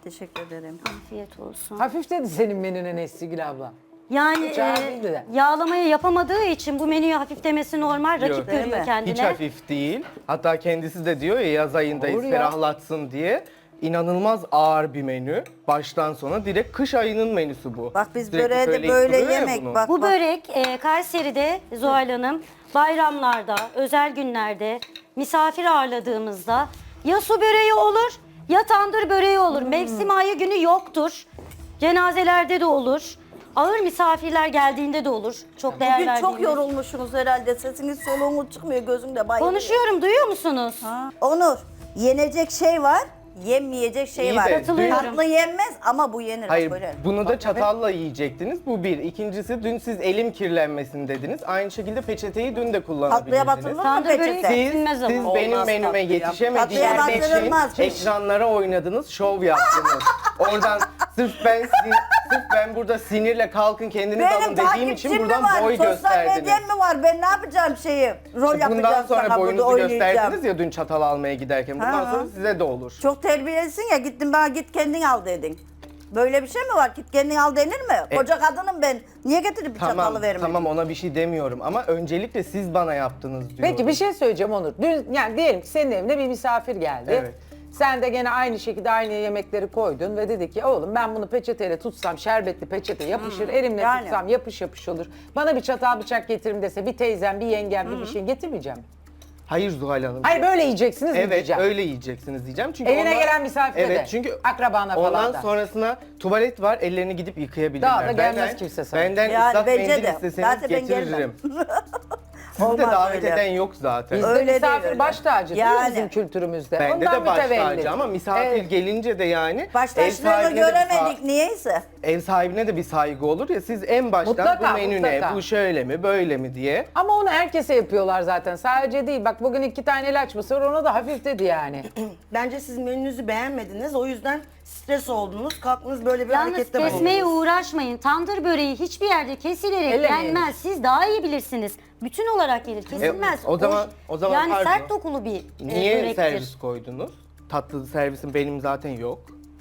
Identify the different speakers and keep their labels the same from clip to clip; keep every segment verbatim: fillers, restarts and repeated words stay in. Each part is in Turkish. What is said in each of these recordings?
Speaker 1: Teşekkür ederim.
Speaker 2: Afiyet olsun.
Speaker 3: Hafif dedi senin menüne Nesligül abla.
Speaker 2: Yani
Speaker 3: Hiç
Speaker 2: e,
Speaker 3: ağır değildi de.
Speaker 2: yağlamayı yapamadığı için bu menüyü hafif demesi normal. Rakip
Speaker 4: Yok.
Speaker 2: görüyor
Speaker 1: Değil mi?
Speaker 2: kendine.
Speaker 4: Hiç hafif değil. Hatta kendisi de diyor ya yaz ayındayız
Speaker 3: Olur ya.
Speaker 4: ferahlatsın diye. İnanılmaz ağır bir menü. Baştan sona direkt kış ayının menüsü bu.
Speaker 1: Bak biz
Speaker 4: Sürekli
Speaker 1: böreğe de
Speaker 4: söyleyip
Speaker 1: böyle
Speaker 4: duruyor ya
Speaker 1: yemek
Speaker 4: bunu.
Speaker 1: bak.
Speaker 2: Bu
Speaker 1: bak.
Speaker 2: börek e, Kayseri'de Zuhal Hanım bayramlarda, özel günlerde misafir ağırladığımızda ya su böreği olur ya tandır böreği olur.
Speaker 1: Hmm.
Speaker 2: Mevsim ayı günü yoktur. Cenazelerde de olur. Ağır misafirler geldiğinde de olur. Çok değer
Speaker 1: Bugün çok
Speaker 2: verdiğimiz.
Speaker 1: yorulmuşsunuz herhalde. Sesiniz soluğunuz çıkmıyor, gözümde bayılıyor.
Speaker 2: Konuşuyorum, duyuyor musunuz?
Speaker 1: Ha. Onur, yenecek şey var, yenmeyecek şey
Speaker 4: İyi
Speaker 1: var.
Speaker 4: de
Speaker 2: Katılıyorum.
Speaker 1: Tatlı yenmez ama bu yenir.
Speaker 4: Hayır,
Speaker 1: böyle.
Speaker 4: bunu da çatalla yiyecektiniz. Bu bir. İkincisi dün siz elim kirlenmesin dediniz. Aynı şekilde peçeteyi dün de kullanabilirdiniz.
Speaker 1: Tatlıya batırılır mı
Speaker 2: Tandır böreği
Speaker 1: peçete?
Speaker 4: Siz,
Speaker 2: Silmez ama.
Speaker 4: siz benim
Speaker 1: Olmaz
Speaker 4: menüme
Speaker 1: tatlıya.
Speaker 4: yetişemediğiniz
Speaker 1: Tatlıya
Speaker 4: için
Speaker 1: batırılmaz.
Speaker 4: ekranlara oynadınız, şov yaptınız. Oradan sırf ben sin- sırf ben burada sinirle kalkın kendiniz alın
Speaker 1: Benim
Speaker 4: dediğim için
Speaker 1: takipçim mi
Speaker 4: buradan
Speaker 1: var?
Speaker 4: boy
Speaker 1: Sosyal
Speaker 4: gösterdiniz.
Speaker 1: medyam mı var? Ben ne yapacağım şeyi? Rol
Speaker 4: Bundan
Speaker 1: yapacağım
Speaker 4: sonra
Speaker 1: sana burada
Speaker 4: boyunuzu
Speaker 1: oynayacağım.
Speaker 4: gösterdiniz ya dün çatal almaya giderken. Bundan
Speaker 1: Ha.
Speaker 4: sonra size de olur.
Speaker 1: Çok terbiyelisin ya, gittin bana git kendin al dedin. Böyle bir şey mi var? Git kendin al denir mi?
Speaker 4: E-
Speaker 1: Koca kadınım ben. Niye getirip bir
Speaker 4: Tamam,
Speaker 1: çatalı vermedin?
Speaker 4: tamam ona bir şey demiyorum ama öncelikle siz bana yaptınız diyorum.
Speaker 3: Peki bir şey söyleyeceğim Onur. Dün yani diyelim ki senin evine bir misafir geldi.
Speaker 4: Evet.
Speaker 3: Sen de gene aynı şekilde aynı yemekleri koydun ve dedi ki oğlum ben bunu peçeteyle tutsam şerbetli peçete yapışır, elimle
Speaker 1: yani.
Speaker 3: tutsam yapış yapış olur. Bana bir çatal bıçak getirin dese bir teyzem, bir yengem, bir bir şey getirmeyeceğim.
Speaker 4: Hayır Zuhal Hanım.
Speaker 3: Hayır böyle yiyeceksiniz mi
Speaker 4: Evet
Speaker 3: diyeceğim.
Speaker 4: öyle yiyeceksiniz diyeceğim. Çünkü
Speaker 3: Evine
Speaker 4: ondan-
Speaker 3: gelen misafire
Speaker 4: Evet
Speaker 3: de,
Speaker 4: çünkü
Speaker 3: akrabana falan
Speaker 4: ondan
Speaker 3: da.
Speaker 4: sonrasına tuvalet var ellerini gidip yıkayabilirler.
Speaker 3: Daha da gelmez
Speaker 4: Benden-
Speaker 3: kimse sana.
Speaker 4: Benden
Speaker 1: Yani
Speaker 4: ıslak
Speaker 1: bence
Speaker 4: mendil
Speaker 1: de.
Speaker 4: isteseniz
Speaker 1: Zaten ben
Speaker 4: getiririm. Sizi de
Speaker 1: Olmaz
Speaker 4: davet
Speaker 1: öyle.
Speaker 4: eden yok zaten.
Speaker 3: Bizde
Speaker 1: Öyle
Speaker 3: misafir
Speaker 1: değil öyle.
Speaker 3: baş tacı değil mi
Speaker 1: Yani.
Speaker 3: bizim kültürümüzde?
Speaker 4: Bende
Speaker 3: Ondan
Speaker 4: de baş
Speaker 3: mütevellit.
Speaker 4: tacı ama misafir
Speaker 3: Evet.
Speaker 4: gelince de yani
Speaker 1: Baş
Speaker 4: ev
Speaker 1: taşlarını
Speaker 4: sahibine de bir sa-
Speaker 1: göremedik niyeyse.
Speaker 4: ev sahibine de bir saygı olur ya siz en baştan
Speaker 3: Mutlaka,
Speaker 4: bu menü
Speaker 3: mutlaka.
Speaker 4: ne, bu şöyle mi, böyle mi diye.
Speaker 3: Ama onu herkese yapıyorlar zaten. Sadece değil. Bak bugün iki tane ilaç mısır ona da hafif dedi yani.
Speaker 5: Bence siz menünüzü beğenmediniz. O yüzden stres oldunuz. Kalktınız böyle bir
Speaker 2: Yalnız
Speaker 5: harekette
Speaker 2: kesmeye
Speaker 5: bulundunuz.
Speaker 2: uğraşmayın. Tandır böreği hiçbir yerde kesilerek
Speaker 3: Ellemeyin.
Speaker 2: yenmez. Siz daha iyi bilirsiniz. Bütün olarak gelir. Kesilmez.
Speaker 4: E, o zaman- o zaman
Speaker 2: yani
Speaker 4: pardon.
Speaker 2: sert dokulu bir e,
Speaker 4: Niye
Speaker 2: börektir.
Speaker 4: servis koydunuz? Tatlı servisim benim zaten yok.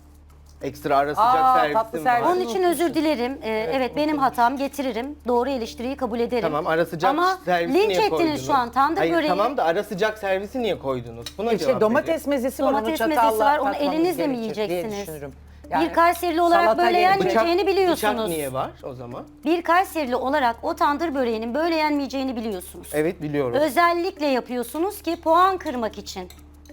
Speaker 4: Ekstra ara sıcak
Speaker 3: Aa,
Speaker 4: servisim
Speaker 3: tatlı
Speaker 4: var.
Speaker 3: servis.
Speaker 2: Onun için özür dilerim. Ee, evet, benim hatam, getiririm. Doğru eleştiriyi kabul ederim.
Speaker 4: Tamam ara sıcak
Speaker 2: Ama
Speaker 4: servisi
Speaker 2: linç
Speaker 4: niye
Speaker 2: ettiniz
Speaker 4: koydunuz?
Speaker 2: şu an. Tandır
Speaker 4: Hayır,
Speaker 2: böreği.
Speaker 4: tamam da ara sıcak servisi niye koydunuz? Buna
Speaker 3: İşte
Speaker 4: cevap
Speaker 3: domates
Speaker 4: verin.
Speaker 3: mezesi var. onu
Speaker 2: Domates
Speaker 3: çatalla
Speaker 2: mezesi var, onu
Speaker 3: tatmamız
Speaker 2: elinizle mi
Speaker 3: gerekir diye
Speaker 2: yiyeceksiniz?
Speaker 3: düşünürüm.
Speaker 2: Bir Kayserili olarak
Speaker 3: salata
Speaker 2: böyle
Speaker 3: gerekir.
Speaker 2: yenmeyeceğini biliyorsunuz.
Speaker 4: Bıçak niye var o zaman?
Speaker 2: Bir Kayserili olarak o tandır böreğinin böyle yenmeyeceğini biliyorsunuz.
Speaker 4: Evet biliyorum.
Speaker 2: Özellikle yapıyorsunuz ki puan kırmak için.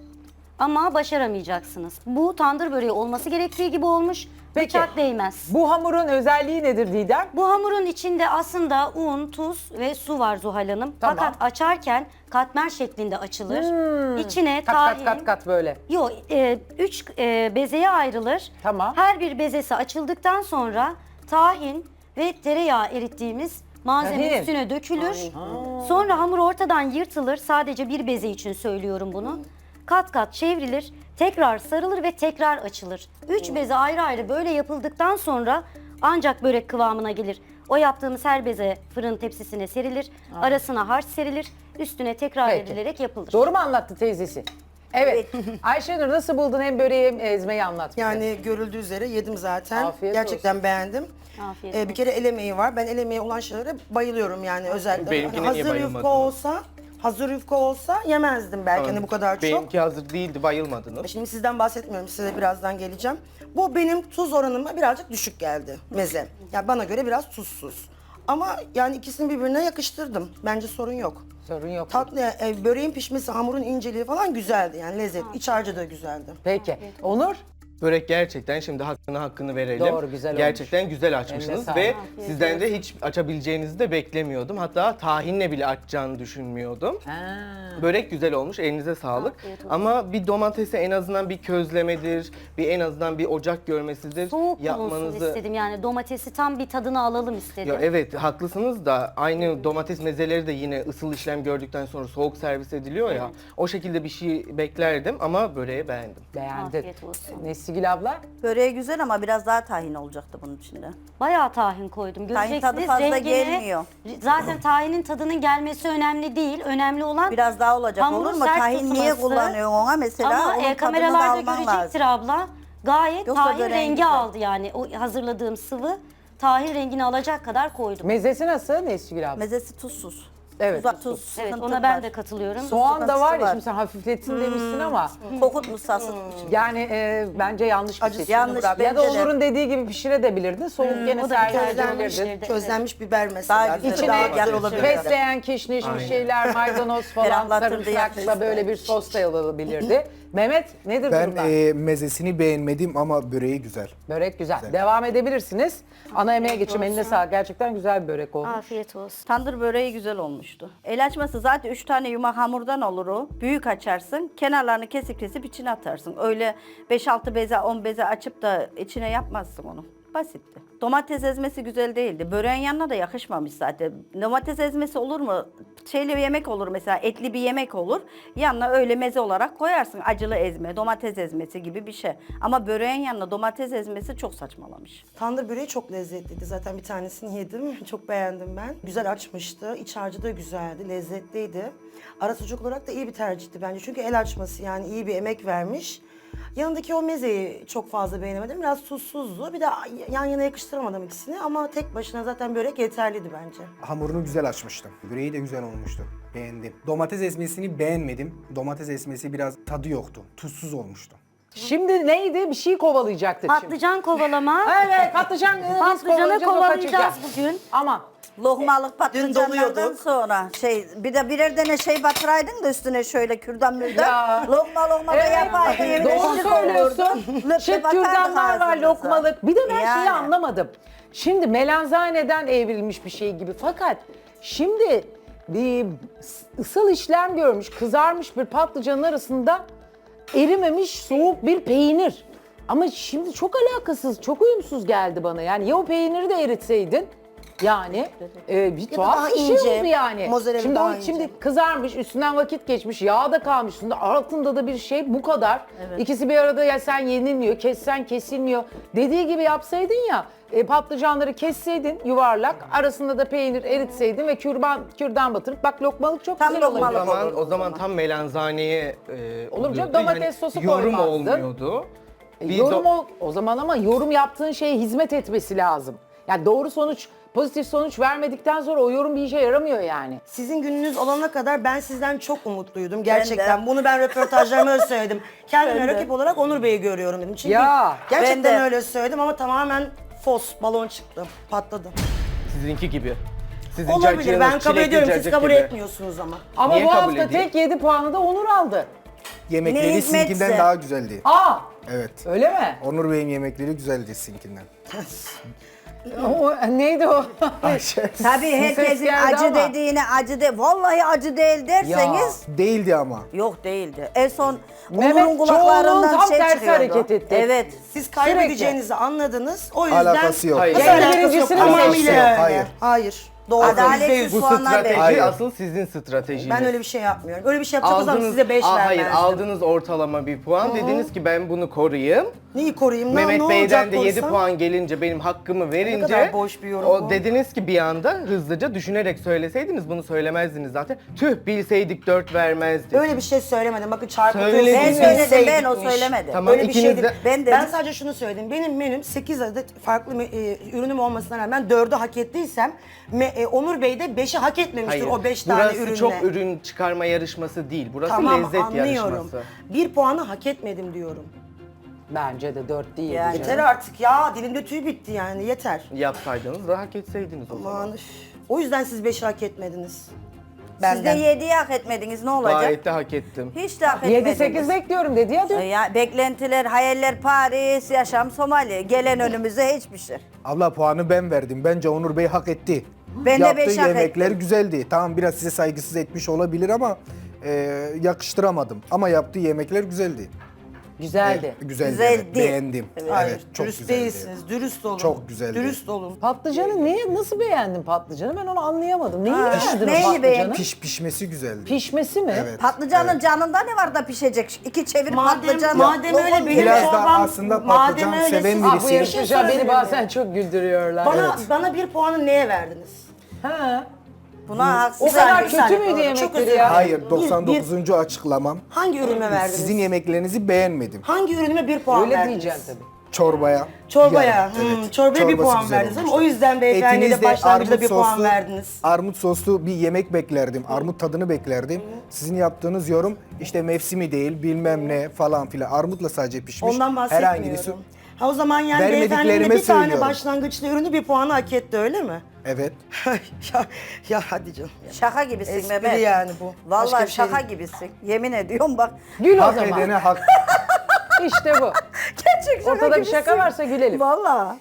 Speaker 2: Ama başaramayacaksınız. Bu tandır böreği olması gerektiği gibi olmuş.
Speaker 3: Peki.
Speaker 2: Bıçak değmez.
Speaker 3: Bu hamurun özelliği nedir Didem?
Speaker 2: Bu hamurun içinde aslında un, tuz ve su var Zuhal Hanım.
Speaker 3: Tamam.
Speaker 2: Fakat açarken katmer şeklinde açılır. İçine
Speaker 3: Hmm. Kat
Speaker 2: tahin...
Speaker 3: kat kat kat böyle.
Speaker 2: Yok, e, üç e, bezeye ayrılır.
Speaker 3: Tamam.
Speaker 2: Her bir bezesi açıldıktan sonra tahin ve tereyağı erittiğimiz malzeme
Speaker 3: Tahin.
Speaker 2: üstüne dökülür. Sonra hamur ortadan yırtılır. Sadece bir beze için söylüyorum bunu. Kat kat çevrilir, tekrar sarılır ve tekrar açılır. Üç beze ayrı ayrı böyle yapıldıktan sonra ancak börek kıvamına gelir. O yaptığımız her beze fırın tepsisine serilir, arasına harç serilir, üstüne tekrar
Speaker 3: Peki.
Speaker 2: edilerek yapılır.
Speaker 3: Doğru mu anlattı teyzesi? Evet. Ayşenur nasıl buldun hem böreği hem ezmeyi anlat bize.
Speaker 5: Yani görüldüğü üzere yedim zaten.
Speaker 3: Afiyet
Speaker 5: Gerçekten
Speaker 3: olsun.
Speaker 5: beğendim.
Speaker 2: Afiyet
Speaker 5: Ee, bir
Speaker 2: olsun.
Speaker 5: kere el emeği var. Ben el emeği olan şeylere bayılıyorum yani özellikle.
Speaker 4: Benimkine
Speaker 5: Hani
Speaker 4: niye
Speaker 5: hazır
Speaker 4: bayılmadınız?
Speaker 5: yufka olsa, hazır yufka olsa yemezdim belki hani bu kadar çok.
Speaker 4: Benimki hazır değildi bayılmadınız.
Speaker 5: Şimdi sizden bahsetmiyorum, size birazdan geleceğim. Bu benim tuz oranıma birazcık düşük geldi meze. Yani bana göre biraz tuzsuz. Ama yani ikisini birbirine yakıştırdım. Bence sorun yok.
Speaker 3: Sorun yok.
Speaker 5: Tatlı, e, böreğin pişmesi, hamurun inceliği falan güzeldi yani lezzet. İç harcı da güzeldi.
Speaker 3: Peki. Onur?
Speaker 4: Börek gerçekten şimdi hakkını hakkını verelim.
Speaker 3: Doğru, güzel
Speaker 4: Gerçekten güzel
Speaker 3: Eline
Speaker 4: açmışsınız
Speaker 3: sağlık.
Speaker 4: ve
Speaker 2: Afiyet
Speaker 4: sizden de hiç açabileceğinizi de beklemiyordum. Hatta tahinle bile açacağını düşünmüyordum.
Speaker 3: Ha.
Speaker 4: Börek güzel olmuş, elinize sağlık.
Speaker 2: Afiyet olsun.
Speaker 4: Ama bir domatesi en azından bir közlemedir, bir en azından bir ocak görmesidir.
Speaker 2: Soğuk bulunsun istedim, yani domatesi tam bir tadını alalım istedim.
Speaker 4: Ya evet haklısınız da aynı domates mezeleri de yine ısıl işlem gördükten sonra soğuk servis ediliyor ya. O şekilde bir şey beklerdim ama böreği beğendim.
Speaker 3: Beğendin.
Speaker 2: Afiyet olsun.
Speaker 3: Nesligül abla?
Speaker 1: Böreği güzel ama biraz daha tahin olacaktı bunun içinde.
Speaker 2: Bayağı tahin koydum.
Speaker 1: Tahin
Speaker 2: Göreceksiniz
Speaker 1: tadı fazla
Speaker 2: rengini.
Speaker 1: gelmiyor.
Speaker 2: Zaten tahinin tadının gelmesi önemli değil. Önemli olan
Speaker 1: Biraz daha olacak
Speaker 2: hamurun
Speaker 1: olur mu?
Speaker 2: sert
Speaker 1: Tahin niye
Speaker 2: tutması.
Speaker 1: kullanıyorsun ona mesela?
Speaker 2: Ama
Speaker 1: onun
Speaker 2: e,
Speaker 1: tadını da
Speaker 2: kameralarda
Speaker 1: alman
Speaker 2: görecektir
Speaker 1: lazım.
Speaker 2: abla. Gayet
Speaker 1: Yoksa
Speaker 2: tahin
Speaker 1: böreğin
Speaker 2: rengi
Speaker 1: güzel.
Speaker 2: aldı yani. O hazırladığım sıvı tahin rengini alacak kadar koydum.
Speaker 3: Mezesi nasıl Nesgül abla?
Speaker 1: Mezesi tuzsuz.
Speaker 3: Evet,
Speaker 1: Tuza-
Speaker 3: tuzsuz.
Speaker 1: tuz,
Speaker 2: Evet,
Speaker 1: sıkıntı
Speaker 2: ona ben
Speaker 1: var.
Speaker 2: de katılıyorum.
Speaker 3: Soğan da var ya,
Speaker 1: var.
Speaker 3: şimdi sen hafifletsin demişsin ama
Speaker 1: Kokutmuş sasıtmış.
Speaker 3: yani e, bence yanlış bir
Speaker 1: Acısı
Speaker 3: seçim.
Speaker 1: yanlış,
Speaker 3: Ya da
Speaker 1: bence de.
Speaker 3: Onur'un dediği gibi pişirebilirdin. Soğuk gene
Speaker 2: o da
Speaker 3: sergileyebilirdin.
Speaker 2: güzelmiş.
Speaker 5: Közlenmiş biber mesela.
Speaker 1: Daha güzel,
Speaker 3: İçine
Speaker 1: daha güzel olabilir.
Speaker 3: fesleğen, kişniş bir şeyler, maydanoz falan,
Speaker 1: Ferahlatırdı,
Speaker 3: sarımsakla
Speaker 1: yakıştı.
Speaker 3: böyle bir sos da olabilirdi. Mehmet nedir
Speaker 6: Ben
Speaker 3: durumlar?
Speaker 6: e, mezesini beğenmedim ama böreği güzel.
Speaker 3: Börek güzel. Devam edebilirsiniz. Ana yemeğe geçeyim. Eline sağlık. Gerçekten güzel bir börek oldu.
Speaker 2: Afiyet olsun.
Speaker 1: Tandır böreği güzel olmuştu. El açması zaten üç tane yumak hamurdan olur o. Büyük açarsın, kenarlarını kesip kesip içine atarsın. Öyle beş altı beze, on beze açıp da içine yapmazsın onu. Basitti. Domates ezmesi güzel değildi. Böreğin yanına da yakışmamış zaten. Domates ezmesi olur mu? Şeyli bir yemek olur mesela, etli bir yemek olur. Yanına öyle meze olarak koyarsın. Acılı ezme, domates ezmesi gibi bir şey. Ama böreğin yanına domates ezmesi çok saçmalamış.
Speaker 5: Tandır böreği çok lezzetliydi. Zaten bir tanesini yedim. Çok beğendim ben. Güzel açmıştı. İç harcı da güzeldi, lezzetliydi. Ara sucuk olarak da iyi bir tercihti bence. Çünkü el açması yani iyi bir emek vermiş. Yanındaki o mezeyi çok fazla beğenemedim. Biraz tuzsuzdu. Bir de yan yana yakıştıramadım ikisini ama tek başına zaten börek yeterliydi bence.
Speaker 6: Hamurunu güzel açmıştım. Böreği de güzel olmuştu. Beğendim. Domates ezmesini beğenmedim. Domates ezmesi biraz tadı yoktu. Tuzsuz olmuştu.
Speaker 3: Şimdi neydi? Bir şey kovalayacaktık şimdi.
Speaker 2: Patlıcan kovalama.
Speaker 3: Evet, patlıcan. e, biz
Speaker 2: Patlıcanı
Speaker 3: kovalayacağız, o
Speaker 2: kovalayacağız
Speaker 3: kaçacak.
Speaker 2: bugün.
Speaker 3: Aman.
Speaker 1: Lokmalık patlıcanlardan
Speaker 5: doluyordu.
Speaker 1: sonra şey bir de birer tane şey batıraydın da üstüne şöyle kürdan mürdan.
Speaker 3: Ya.
Speaker 1: Lokma lokma da yapaydın. yemin
Speaker 3: Doğru
Speaker 1: ederim
Speaker 3: söylüyorsun.
Speaker 1: olurdu. Löpe
Speaker 3: Şık
Speaker 1: batardık
Speaker 3: kürdanlar var,
Speaker 1: ağzımıza.
Speaker 3: lokmalık. Bir de ben şeyi
Speaker 1: Yani.
Speaker 3: anlamadım. Şimdi melanzaneden evrilmiş bir şey gibi. Fakat şimdi bir ısıl işlem görmüş, kızarmış bir patlıcanın arasında erimemiş soğuk bir peynir. Ama şimdi çok alakasız, çok uyumsuz geldi bana. Yani ya o peyniri de eritseydin, yani e, bir
Speaker 5: da
Speaker 3: tuhaf
Speaker 5: daha
Speaker 3: bir şey
Speaker 5: ince,
Speaker 3: oldu yani.
Speaker 5: mozzarella
Speaker 3: Şimdi
Speaker 5: daha
Speaker 3: o
Speaker 5: ince.
Speaker 3: şimdi kızarmış, üstünden vakit geçmiş, yağ da kalmış üstünde, altında da bir şey bu kadar. İkisi bir arada ya sen yenilmiyor, kessen kesilmiyor. Dediği gibi yapsaydın ya, e, patlıcanları kesseydin yuvarlak, arasında da peynir eritseydin ve kürban kürdan batırıp bak lokmalık çok
Speaker 1: Tam
Speaker 3: güzel
Speaker 4: O
Speaker 1: lokmalık.
Speaker 3: olabilir.
Speaker 4: zaman,
Speaker 1: olur
Speaker 4: o zaman tam melanzaneye e,
Speaker 3: Olur mu canım?
Speaker 4: oluyordu.
Speaker 3: Domates sosu
Speaker 4: yorum
Speaker 3: koymazdın.
Speaker 4: olmuyordu.
Speaker 3: E,
Speaker 4: Bir
Speaker 3: yorum
Speaker 4: do-
Speaker 3: o, o zaman ama yorum yaptığın şeye hizmet etmesi lazım. Yani doğru sonuç, pozitif sonuç vermedikten sonra o yorum bir işe yaramıyor yani.
Speaker 5: Sizin gününüz olana kadar ben sizden çok umutluydum gerçekten. Bunu ben röportajlarıma öyle söyledim. Kendime rakip olarak Onur Bey'i görüyorum dedim. Çünkü
Speaker 3: Ya,
Speaker 5: gerçekten
Speaker 1: ben de.
Speaker 5: öyle söyledim ama tamamen fos, balon çıktı, patladı.
Speaker 4: Sizinki gibi. Sizin
Speaker 5: Olabilir,
Speaker 4: cacığınız
Speaker 5: ben kabul
Speaker 4: çilekli
Speaker 5: ediyorum, siz
Speaker 4: cacık
Speaker 5: kabul
Speaker 4: gibi.
Speaker 5: etmiyorsunuz ama.
Speaker 3: Ama
Speaker 4: Niye
Speaker 3: bu
Speaker 4: kabul
Speaker 3: hafta
Speaker 4: edeyim?
Speaker 3: tek yedi puanı da Onur aldı.
Speaker 6: Yemekleri
Speaker 1: Ne hizmetse.
Speaker 6: sizinkinden daha güzeldi.
Speaker 3: Aa,
Speaker 6: Evet.
Speaker 3: öyle mi?
Speaker 6: Onur Bey'in yemekleri güzeldi sizinkinden.
Speaker 3: O, neydi o?
Speaker 1: Tabii herkesin
Speaker 3: Ses geldi
Speaker 1: acı
Speaker 3: ama.
Speaker 1: dediğine acı de vallahi acı değil derseniz
Speaker 6: Değildi ama.
Speaker 1: yok değildi. En son
Speaker 3: Mehmet
Speaker 1: Onur'un kulaklarından
Speaker 3: Çoğunluğun
Speaker 1: şey
Speaker 3: tam tersi
Speaker 1: çıkıyordu.
Speaker 3: hareket etti.
Speaker 1: Evet.
Speaker 5: Siz kaybedeceğinizi anladınız. O yüzden
Speaker 6: Alakası yok.
Speaker 4: Hayır.
Speaker 5: Nasıl
Speaker 3: Kendi
Speaker 5: alakası yok?
Speaker 3: birincisini
Speaker 5: Tamamıyla
Speaker 3: seçti.
Speaker 5: öyle.
Speaker 6: Hayır.
Speaker 5: Hayır. Doğru.
Speaker 1: Adaletsiz
Speaker 5: yüzde yüz.
Speaker 4: Bu
Speaker 1: puanlar
Speaker 4: strateji
Speaker 1: veriyor.
Speaker 6: Hayır.
Speaker 4: asıl sizin stratejiniz.
Speaker 5: Ben öyle bir şey yapmıyorum. Öyle bir şey yapacak olsam
Speaker 4: Aldınız,
Speaker 5: size beş
Speaker 4: Aa,
Speaker 5: vermezdim.
Speaker 4: hayır aldınız ortalama bir puan. Dediniz ki ben bunu koruyayım.
Speaker 5: Neyi koruyayım? Ne,
Speaker 4: Mehmet
Speaker 5: ne
Speaker 4: Bey'den
Speaker 5: olacak
Speaker 4: de yedi
Speaker 5: korsam?
Speaker 4: puan gelince benim hakkımı verince
Speaker 5: kadar boş bir yorum
Speaker 4: o
Speaker 5: bu.
Speaker 4: dediniz ki bir anda hızlıca düşünerek söyleseydiniz bunu söylemezdiniz zaten. Tüh bilseydik dört vermezdik.
Speaker 5: Öyle bir şey söylemedim. Bakın çarpı
Speaker 4: Söylediniz.
Speaker 1: Ben
Speaker 4: Bilseydik
Speaker 1: söyledim ben o söylemedi.
Speaker 4: Tamam,
Speaker 5: Öyle bir
Speaker 4: ikiniz
Speaker 5: şeydi.
Speaker 4: de-
Speaker 1: Ben
Speaker 5: Ben,
Speaker 1: dedim.
Speaker 5: sadece şunu söyledim. Benim menüm sekiz adet farklı me- e, ürünüm olmasına rağmen dördü hak ettiysem me- e, Onur Bey de beşi hak etmemiştir o beş tane
Speaker 4: burası
Speaker 5: ürünle.
Speaker 4: çok ürün çıkarma yarışması değil. Burası
Speaker 5: Tamam
Speaker 4: lezzet
Speaker 5: anlıyorum.
Speaker 4: yarışması.
Speaker 5: Bir puanı hak etmedim diyorum.
Speaker 3: Bence de dört değil.
Speaker 1: Yani.
Speaker 5: Yeter artık ya. Dilimde tüy bitti yani. Yeter.
Speaker 4: Yapsaydınız da hak etseydiniz o zaman.
Speaker 5: Aman üf. O yüzden siz beşi hak etmediniz.
Speaker 1: Siz de
Speaker 5: Benden.
Speaker 1: yediyi hak etmediniz ne olacak?
Speaker 4: Gayet de hak ettim.
Speaker 1: Hiç de hak etmediniz.
Speaker 3: yedi sekiz bekliyorum dedi ya dün.
Speaker 1: Ya, beklentiler, hayaller Paris, yaşam Somali. Gelen önümüze hiçbir şey.
Speaker 6: Abla puanı ben verdim. Bence Onur Bey hak etti.
Speaker 1: Ben de
Speaker 6: Yaptığı
Speaker 1: beş hak
Speaker 6: yemekler
Speaker 1: ettim.
Speaker 6: güzeldi. Tamam biraz size saygısız etmiş olabilir ama e, yakıştıramadım. Ama yaptığı yemekler güzeldi.
Speaker 3: Güzeldi.
Speaker 6: E, güzeldi.
Speaker 1: Güzeldi.
Speaker 6: Evet, beğendim. Evet,
Speaker 5: Hayır,
Speaker 6: çok
Speaker 5: dürüst
Speaker 6: güzeldi.
Speaker 5: değilsiniz. Dürüst olun.
Speaker 6: Çok güzeldi.
Speaker 5: Dürüst olun.
Speaker 3: Patlıcanı niye, nasıl beğendin patlıcanı? Ben onu anlayamadım. Neyini
Speaker 1: Ha,
Speaker 3: beğendin o
Speaker 1: neyini
Speaker 3: patlıcanı?
Speaker 1: beğendin?
Speaker 6: Piş pişmesi güzeldi.
Speaker 3: Pişmesi mi?
Speaker 6: Evet.
Speaker 1: Patlıcanın canında ne var da pişecek? İki çevir
Speaker 5: Madem,
Speaker 1: patlıcan.
Speaker 5: madem öyle benim
Speaker 6: Biraz da
Speaker 5: çorbam,
Speaker 6: aslında
Speaker 5: madem
Speaker 6: patlıcan
Speaker 5: öyle
Speaker 6: seven
Speaker 5: siz-
Speaker 3: Ah, bu
Speaker 6: birisi.
Speaker 3: yarışmacılar beni
Speaker 5: sorabilir
Speaker 3: bazen
Speaker 5: miyim?
Speaker 3: çok güldürüyorlar.
Speaker 5: Bana, bana bir puanı neye verdiniz?
Speaker 3: Ha.
Speaker 1: Buna haksız.
Speaker 3: O kadar
Speaker 5: Bir
Speaker 3: kötü
Speaker 5: saniye,
Speaker 3: müydü
Speaker 5: pardon,
Speaker 3: yemekleri
Speaker 5: çok özür
Speaker 3: ya?
Speaker 5: dilerim.
Speaker 6: Hayır,
Speaker 5: Bir-
Speaker 6: doksan
Speaker 5: bir-
Speaker 6: dokuzuncu açıklamam.
Speaker 5: Hangi ürünüme verdiniz?
Speaker 6: Sizin yemeklerinizi beğenmedim.
Speaker 5: Hangi ürünüme bir puan
Speaker 3: Öyle
Speaker 5: verdiniz?
Speaker 3: diyeceksin tabii.
Speaker 6: Çorbaya.
Speaker 5: Çorbaya.
Speaker 6: Yani,
Speaker 5: hmm,
Speaker 6: evet.
Speaker 5: Çorbaya bir
Speaker 6: Çorbası
Speaker 5: puan
Speaker 6: güzel
Speaker 5: verdiniz ama
Speaker 6: olmuştu.
Speaker 5: o yüzden beyefendiye
Speaker 6: Etiniz
Speaker 5: de başlangıçta
Speaker 6: armut
Speaker 5: bir puan
Speaker 6: soslu-
Speaker 5: verdiniz.
Speaker 6: Armut soslu bir yemek beklerdim. Armut tadını beklerdim. Sizin yaptığınız yorum işte mevsimi değil bilmem ne falan filan. Armutla sadece pişmiş.
Speaker 5: Ondan
Speaker 6: Herhangi bir su.
Speaker 5: bahsetmiyorum. Ha o zaman yani
Speaker 6: Vermediklerime
Speaker 5: beyefendinin de bir tane
Speaker 6: söylüyorum.
Speaker 5: başlangıçlı ürünü bir puanı hak etti öyle mi?
Speaker 6: Evet.
Speaker 5: ya, ya hadi canım. Ya.
Speaker 1: Şaka gibisin
Speaker 5: Espri
Speaker 1: Mehmet.
Speaker 5: yani bu. Başka
Speaker 1: Vallahi
Speaker 5: bir şey
Speaker 1: şaka
Speaker 5: değil.
Speaker 1: gibisin. Yemin ediyorum bak.
Speaker 3: Gül o
Speaker 6: Hak
Speaker 3: zaman.
Speaker 6: edene hak.
Speaker 3: İşte bu.
Speaker 1: Gerçek şaka
Speaker 3: Ortada bir
Speaker 1: gibisin.
Speaker 3: şaka varsa gülelim.
Speaker 1: Vallahi.